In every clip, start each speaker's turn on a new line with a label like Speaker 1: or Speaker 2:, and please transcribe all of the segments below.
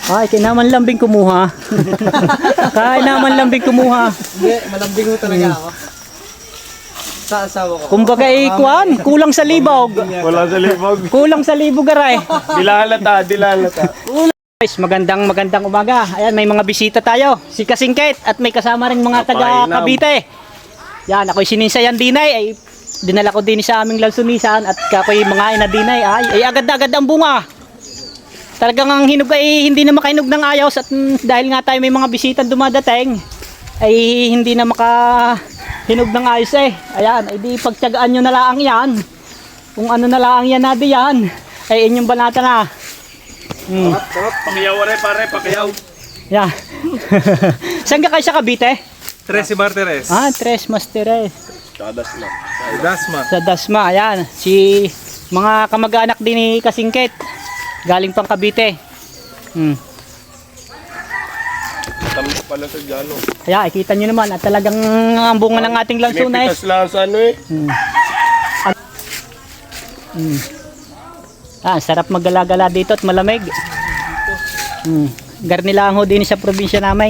Speaker 1: Ay, kinaman lambing kumuha. Kaya naman lambing kumuha.
Speaker 2: Hindi, malambing mo talaga ako. Sa asawa ko.
Speaker 1: Kumbaga ikuan, kulang sa libog.
Speaker 3: Wala sa libog.
Speaker 1: Kulang sa libog aray.
Speaker 3: Dilalata, dilalata.
Speaker 1: Guys, magandang umaga. Ayan, may mga bisita tayo. Si Kasingkit at may kasama rin mga taga Cavite. Yan, ako'y sininsayan dinay. Ay, dinala ko din sa aming lansunisan at ako'y mga ina dinay. Ay agad-agad ang bunga. Talagang ang hinog ay hindi na makahinog ng ayos at dahil nga tayo may mga bisita dumadating ay hindi na makahinog ng ayos eh. Ayan, ay di pagtiyagaan nyo na lang yan. Kung ano na lang yan na diyan ay inyong banata na.
Speaker 3: Pakiyaw rin pare, pakiyaw.
Speaker 1: Yeah. Saan ka kayo sa Cavite?
Speaker 3: Tres Martires.
Speaker 1: Tres Martires.
Speaker 3: Dasma. Dasma.
Speaker 1: Sa Dasma, ayan. Si mga kamag-anak din ni Kasingkit. Galing pang Cavite.
Speaker 3: Tamis pala sa Jalo.
Speaker 1: Kaya, ikita nyo naman at talagang ang bunga ng ating lansunes.
Speaker 3: Pinipitas lang sa ano eh.
Speaker 1: Sarap maggala-gala dito at malamig. Garnilang ho din sa probinsya namin.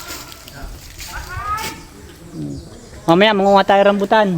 Speaker 1: Mamaya manguha tayo rambutan.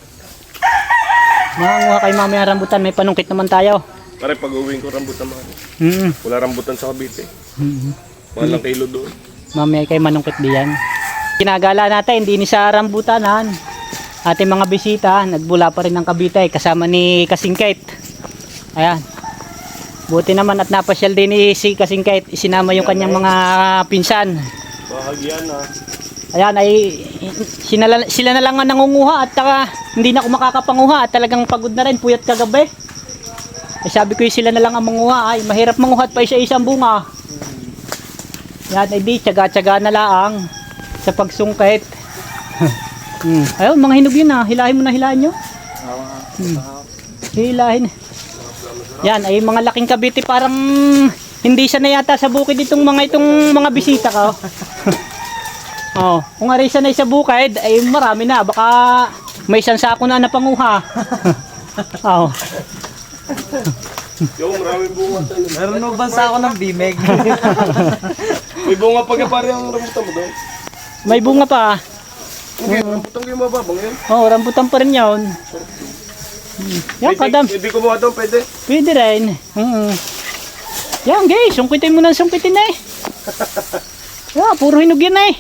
Speaker 1: Manguha kayo mamaya rambutan, may panungkit naman tayo.
Speaker 3: Pare pag uwing ko rambutan man. Wala rambutan sa Cavite. Walang kilo doon.
Speaker 1: Mamaya kayo manungkit diyan. Kinagala natin, hindi ni sa rambutanan. Ating mga bisita, nagbula pa rin ng Cavite kasama ni Kasingkit. Ayan. Buti naman at napasyal din ni si Kasingkit. Isinama yung kanyang mga pinsan.
Speaker 3: Bahagyan ha.
Speaker 1: Ayan ay sila na lang ang nangunguha at hindi na ako makakapanguha at talagang pagod na rin, puyat kagabi. Ay sabi ko sila na lang ang manguha, ay mahirap manguha at pa isa-isang bunga. Yan ay di, tiyaga-tiyaga na lang sa pagsungkit. Ayun, mga hinog yun hilahin mo na, hilahin nyo. Hilahin. Yan ay mga laking Cavite, parang hindi siya na yata sa bukid itong mga bisita ka. Kung ari siya na sa bukid ay marami na, baka may isang sako na napanguha.
Speaker 3: Yung maraming bunga tayo.
Speaker 2: Meron mo ba sa ako ng bimeg?
Speaker 3: May bunga pag pare ang rambutan mo doon.
Speaker 1: May bunga pa.
Speaker 3: Okay, rambutan ko yung mababang yun.
Speaker 1: Rambutan pa rin yun. Yan, kadam.
Speaker 3: Hindi ko mga doon, pwede.
Speaker 1: Pwede rin. Yan guys, sungkitin mo ng sungkitin eh. Puro hinog yan eh.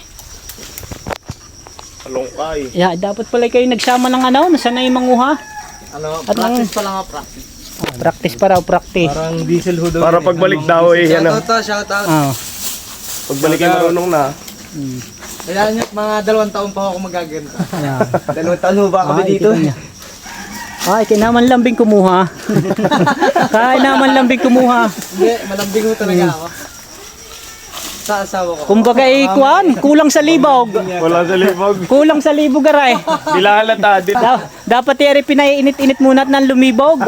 Speaker 3: Alongkay.
Speaker 1: Dapat pala kayo nagsama ng nasanay manguha.
Speaker 2: Practice pa lang ako, practice.
Speaker 1: Practice pa raw, practice.
Speaker 2: Parang diesel ho daw.
Speaker 3: Para pagbalik daw eh. Yan
Speaker 2: Shoutout to, shoutout.
Speaker 3: Pagbalik ay marunong na.
Speaker 2: Kaya nyo, mga 2 taon pa ako magaganto.
Speaker 3: 2 taon ho ba kami dito?
Speaker 1: Ay, kinaman lambing kumuha. Kaya naman lambing kumuha.
Speaker 2: Hindi, malambing mo talaga ako. Sa asawa ko.
Speaker 1: Kumbaga ikuan, kulang sa libog.
Speaker 3: Wala sa libog.
Speaker 1: Kulang sa libog aray.
Speaker 3: Dilalata,
Speaker 1: Dapat yari pinainit-init muna at nang lumibog.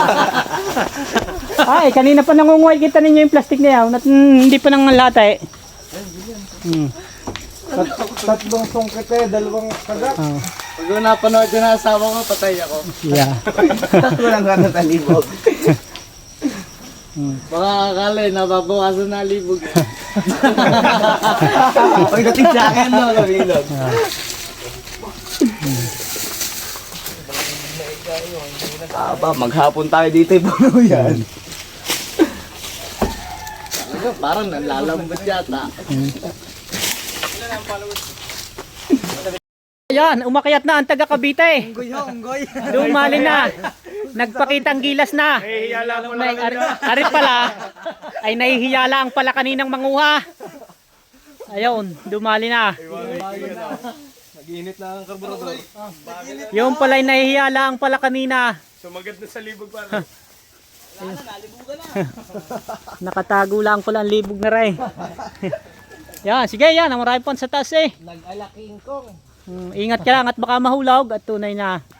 Speaker 1: Ay, kanina pa nangunguhay kita ninyo yung plastic na yan. At hindi pa nang lata eh.
Speaker 2: Tatlong sungkit eh, 2 kagat. Pag napanood yun ang asawa ko, patay ako.
Speaker 1: Yeah.
Speaker 2: Walang gano'n sa libog. Baka akala eh, nababawasan na libog. Pagdating sa akin, no, kabilog.
Speaker 3: Maghapon tayo dito eh. Puno yan.
Speaker 2: Parang nalalambot yata.
Speaker 1: Ayan, umakyat na ang taga Cavite.
Speaker 2: Unggoy.
Speaker 1: Dumali na. Nagpakitang gilas na.
Speaker 3: Hihiyala mo lang.
Speaker 1: Arit pala, ay nahihiyala ang pala kaninang manguha. Ayun, dumali na.
Speaker 3: Nag-iinit na ang karburador.
Speaker 1: Yung pala ay nahihiyala ang pala kanina.
Speaker 3: Sumagat na sa libog pare.
Speaker 1: Nakatago lang pala ang libog na rin. Yan, sige yan, marami pa sa taas eh.
Speaker 2: Nag-alaking kong.
Speaker 1: Ingat ka lang at baka mahulog at tunay na.